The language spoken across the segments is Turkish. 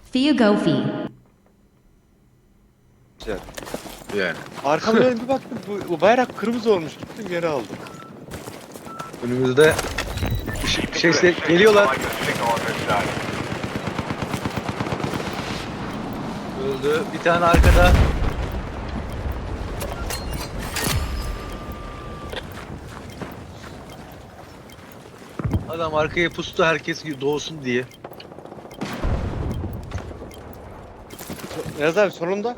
Fee go fee. Güzel. Yani. Arkama dönüp bir baktım bu bayrak kırmızı olmuş. Gittim geri aldım. Önümüzde şeyse geliyorlar. Öldü. Bir tane arkada. Adam arkaya pustu herkes doğsun diye. Yaz abi sonunda.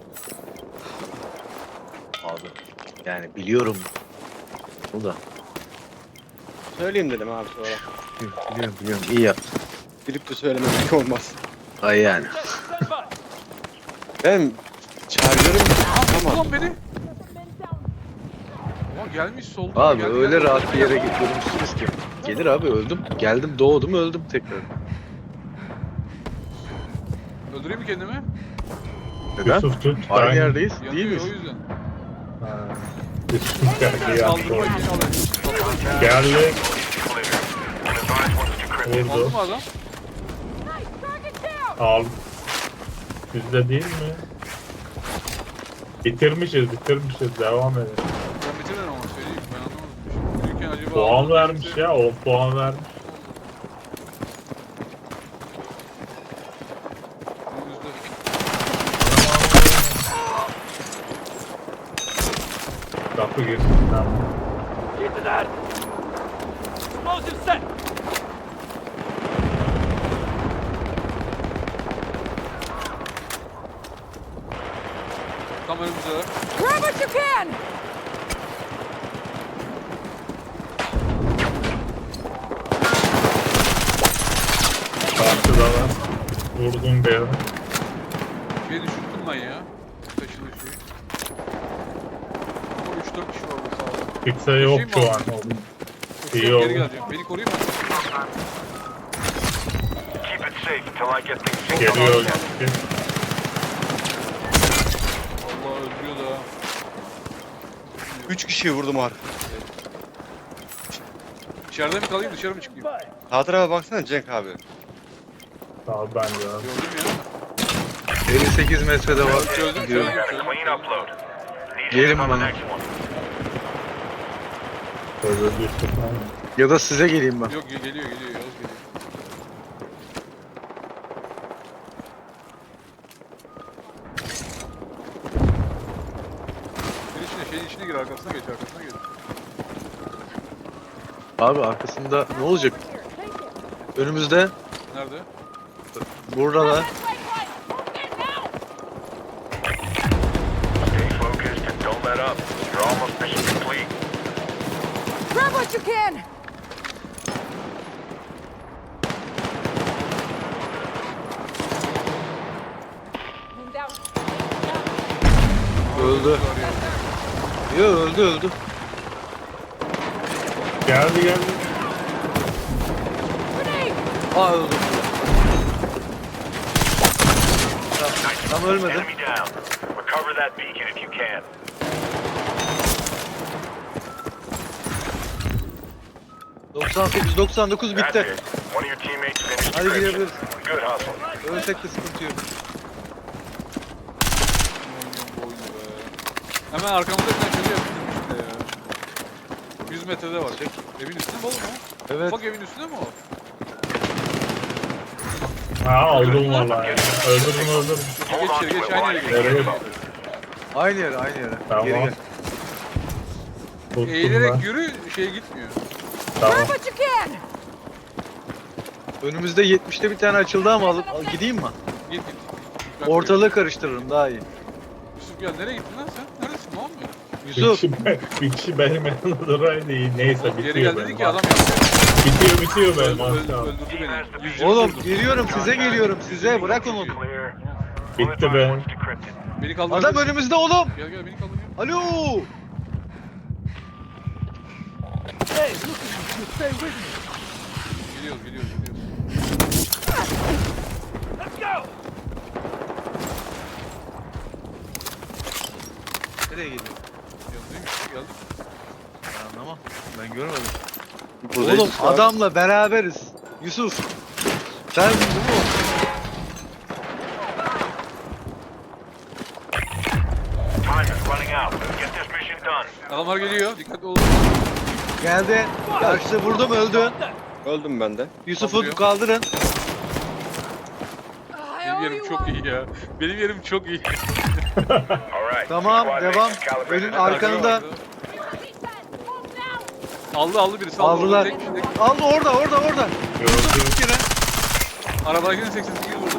Abi yani biliyorum. O da. Söyleyeyim dedim abi sonra. Biliyorum. İyi yaptın. Bilip de söylememek olmaz. Ay yani. Ben çağırıyorum. Tamam. Ulan beni. Ama gelmiş solda. Abi geldi, öyle geldi. rahat bir yere durmuşsunuz ki. Gelir abi öldüm. Geldim doğdum öldüm tekrar. Öldüreyim mi kendimi? Neden? Yusuf tut. Aynı yerdeyiz değil Yanıyor miyiz? o yüzden. Yusuf geldi ya. Kaldırma için alayım. Geldi. Oldu Vurdu. mu adam? Al. Bizde değil mi? Bitirmişiz. Devam edelim. Ben bitirmedim ama söyleyeyim. Ben anlamadım. Yürürken acaba... Puan vermiş ya. 10 puan vermiş. Önümüzde. Kapı girsin. Tamam. Tam önümüzde. Grab what you can! Karşıda var. Vurdum bir. Şey düşürdüm ben ya. Taşıdığı şeyi. Ama 3-4 kişi var burada sağda. Kimse yok Şey mi şu aldın? an. Koşuyorum, İyi oldu. geri geleceğim. Beni koruyun mu? Geliyor. Allah öldürüyor da. 3 kişiyi vurdum abi. İçeride mi kalayım dışarı mı çıkayım? Sağ tarafa baksana Cenk abi. Tamam ben de. Gördüm ya. 58 metrede var. Çözdüm Gidiyorum. çözdüm. Gelin bana. Öyle Yusuf. Ya da size geleyim ben. Yok geliyor Yavuz geliyor. Bir içine şeyin içine gir arkasına geç. Abi arkasında ne olacak? Önümüzde. Nerede? Burada da. Grab what you can! Öldü. Yo öldü. Geldi. Grenade! Aa öldü. Tam ölmedi. 98, 99 bitti. Hadi gidebiliriz. Ölsek de sıkıntı yok. Bu oyunu be. Hemen arkamızda bir tane şöyle yapıştırmış bir de ya. 100 metrede var. Evin üstünde mi oğlum o? Evet. Bak evin üstünde mi o? Ha aldım vallahi. Öldürdüm. Geç içeri geç aynı yere geç. Nereye? Aynı yere. Tamam. Geri gel. Tuttum ben. Eğilerek yürü şey gitmiyor. Tamam. Grab what you can! Önümüzde 70'te bir tane açıldı ama gideyim mi? Git. Ben Ortalığı karıştırırım daha iyi. Yusuf gel nereye gittin lan sen? Neredesin ne olmuyor? Yusuf. Bir kişi benim yanımda duraydı iyi. Neyse Geri bitiyor gel benim. dedi ki adam yaptı. Bitiyor benim maşallah. Öldürdü beni. 120 Oğlum vurdum. geliyorum size bırak onu. Bitti be. Beni kaldır. Adam önümüzde oğlum. Gel beni kaldır gel. Alo. Geliyoruz. Nereye gidiyor? Yanındaymış geldik. Ben anlamam. Ben görmedim. Buradayız Oğlum şu an. adamla beraberiz. Yusuf. Sen bu mu? Adamlar geliyor. Dikkatli olun. Geldi. Karşıda vurdum öldü. Öldüm ben de. Yusuf'u kaldırın. I Benim owe yerim you çok one. iyi ya. Benim yerim çok iyi. Alright. Tamam, Squad devam. mates calibrated Önün and arkanında. Aldı birisi. Aldılar. Tek, Aldı orada. Gördüm. Bir kere. arabadakinin 88 vurdu.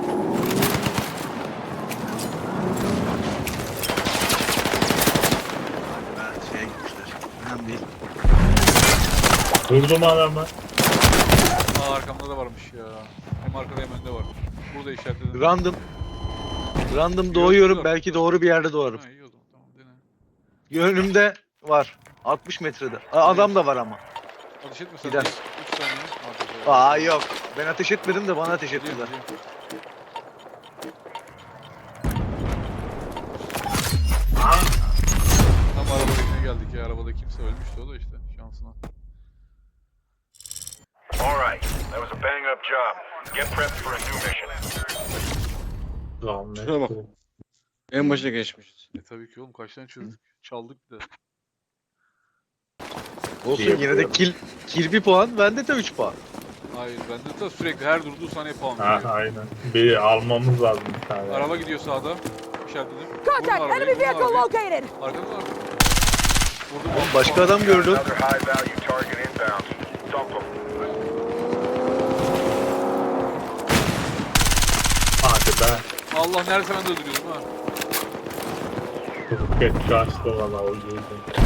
Ha, şeye gitmişler. Önemli değil. Vurdum adamı. Arkamda da varmış ya. Hem arkada hem önde var. Burada işaretledim. Random doğuyorum. Yok. Belki doğru bir yerde doğarım. Ha, iyi o zaman. Tamam dene. Önümde var. 60 metrede. Adam da var ama. Ateş etmesen Gider. 3 saniye. Hadi be. Yok. Ben ateş etmedim de bana ateş Geliyor, ettiler. geliyor. Tam arabadakine geldik ya. Arabada kimse ölmüştü o da işte şansına. Alright. That was a bang up job. Get prepped for a new mission. Lan Şuna bak. En başa geçmişiz. Tabii ki oğlum kaç tane çözdük. Çaldık bir de. Olsun İyi yine de kill 1 puan. Bende de 3 puan. Hayır bende de sürekli her durduğu saniye puan Ha, veriyor. aynen. Bir almamız lazım bir tane. Araba gidiyor sağda. İşaretledim. Contact! Enemy vehicle located! Arkada var. Vurdum. Oğlum başka adam gördüm. Another high value target inbound. Dump them. Hadi be. Allah neredeyse ben de öldürüyordum ha. Roket kaçtı valla o yüzden.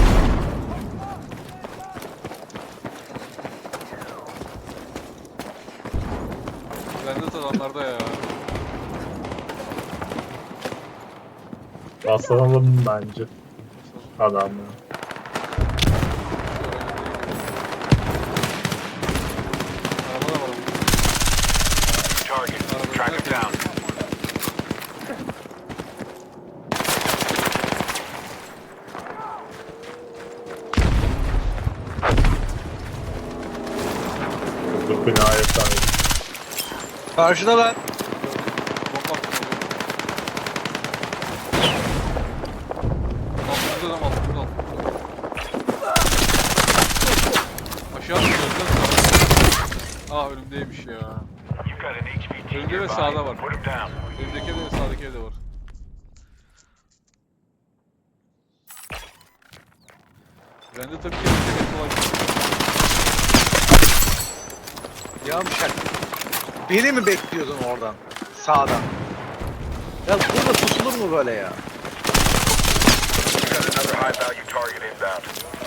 Bende de adamlarda ya. Basalım bence adamı. Araba da var. Target. Track him down. Bu binaya sahip. Karşıdalar. Bomba attım oraya. Altımızda adam altımızda altımızda. Aşağı atıyoruz. Aa önümdeymiş ya. You've got an HVT Önde ve nearby. sağda var. Put him down. Önümdeki evde ve sağdaki evde var. Ben de tabii ki en kolay. Yavşak. Beni mi bekliyordun oradan? Sağdan. Ya burada tutulur mu böyle ya? You've got another high value target inbound.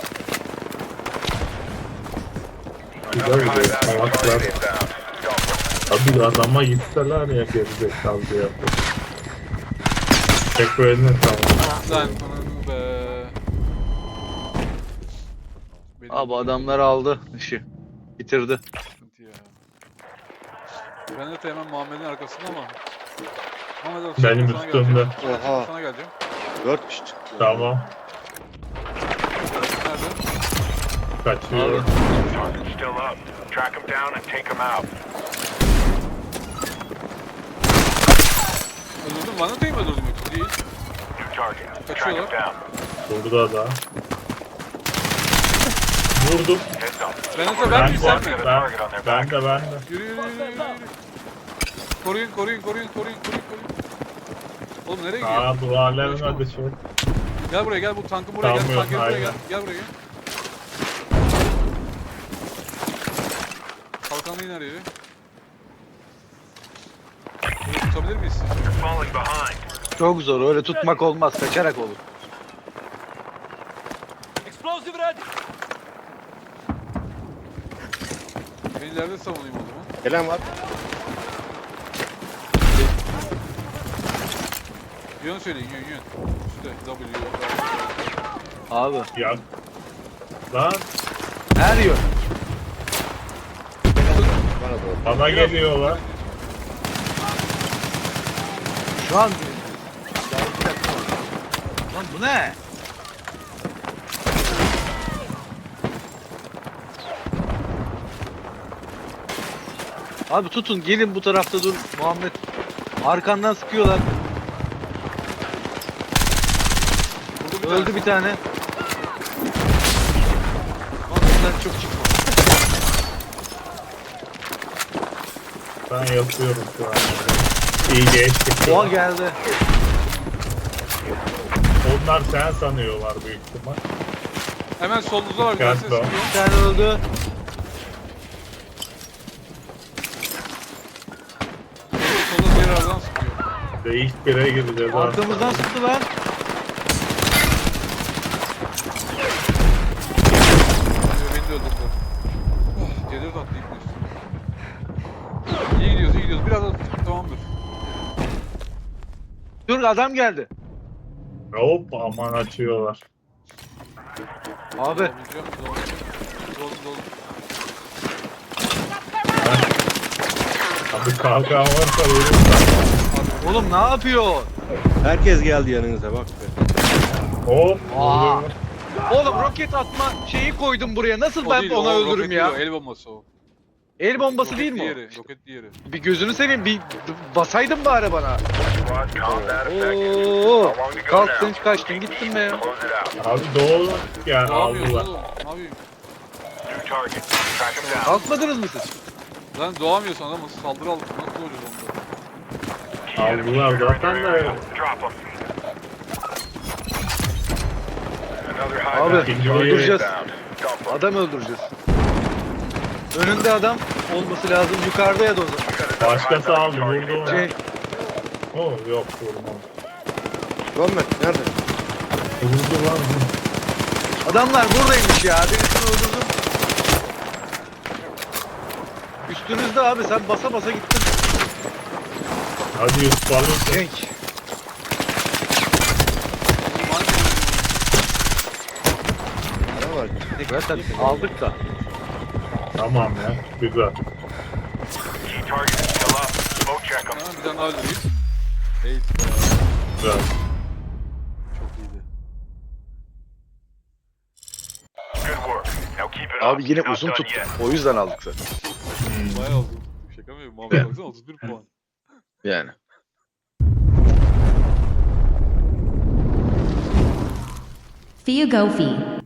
Güzel Another bir high value salaklar. target inbound. Dump them. Tabii adama gitseler ya gerizekalı diye. Tekrar eline sağlık. Lan ananı be. Benim Abi adamlar aldı işi. Bitirdi. sıkıntı ya. Ben de hemen Muhammed'in arkasında ama. Muhammed abi, Benim sana üstümde. geleceğim. Oha. Sana geleceğim. 4 kişi çıktı. Tamam. Nerede? Kaçıyorum. Target's still up. Track him down and take him out. Öldürdüm. Vanata'yı mı öldürdüm yoksa? Değil. New target. Track him Kaçıyorlar. down. Burada da. Vurdum. Heads up. Vanata Ben ben mi sen mi? ben de. Yürü yürü yürü yürü. Koruyun koruyun koruyun koruyun koruyun koruyun. Oğlum nereye gidiyor? Aa bu alemin adı şey. Gel buraya gel bu tankın buraya gel. Sanmıyorum, Tankın buraya gel. aynen. Gel buraya gel. Kalkanlı iner yeri. Bunu tutabilir miyiz? You're falling behind. Çok zor. Öyle tutmak olmaz. Kaçarak olur. Ben ileride savunayım o zaman. Gelen var. Yön söyleyin yön. Üstte W. Abi. Ya. Lan Her yön. Bana doğru. bana geliyorlar. Şu an. Lan bu ne? Abi tutun gelin bu tarafta dur Muhammed. Arkandan sıkıyorlar. Vurdu bir Öldü tanesi. bir tane. çok çıkma. Ben yapıyorum şu an. İyi geçtik. Doğa geldi. Onlar sen sanıyorlar büyük ihtimal. Hemen solunuzda var bir tane ses Gel, çıkıyor. Bir tane öldü. Solda diğer aradan sıkıyor. Ve ilk bire gireceğiz. Arkamızdan sıktı lan. Beni de öldürdü. Oh, geliyor da atlayıp üstüne. İyi gidiyoruz, iyi gidiyoruz. Biraz da tamamdır. Dur adam geldi. Hop aman açıyorlar. Abi Dolu, dolu. Abi kalkan varsa vurursan. oğlum ne yapıyor? Herkes geldi yanınıza bak be. Hop. Aa. vurdum. Oğlum roket atma şeyi koydum buraya. Nasıl O ben değil, ona o öldürürüm roket ya? değil, o, el bombası o. El bombası Roket değil mi o? diğeri, roket diğeri. Bir gözünü seveyim bir basaydın bari bana. Squad, combat effective. Oo. How long to go Kalktın now? kaçtın gittin be ya. Close it out. Abi doğru yani Ne yapıyorsun aldılar. oğlum? Ne yapayım? New target. Track him down. Kalkmadınız mı siz? Lan doğamıyorsun adamı saldırı aldık. Nasıl doğacağız onda? Aldılar zaten de. Drop him. Another high Abi, value target öldüreceğiz. inbound. Dump him. Adam öldüreceğiz. Önünde adam olması lazım. Yukarıda ya da o zaman. Başkası aldı vurdu onu. Şey, Oh yok vurmam. Muhammed nerede? Vurdu lan. adamlar buradaymış ya. Birisini öldürdüm. Üstünüzde abi sen basa basa gittin. Hadi Yusuf alın. Cenk. Ne var? Zaten aldık da. Tamam ya güzel. Key target is still up. Smoke check him. Hemen bir tane daha öldüreyim. Eğit be. Güzel. Çok iyiydi. Good work. Now keep it up. Abi yine Not uzun done tuttum. yet. O yüzden aldık zaten. Bayağı uzun. Şaka mı? Muhammed baksana 31 puan. Yani. Fiugofi.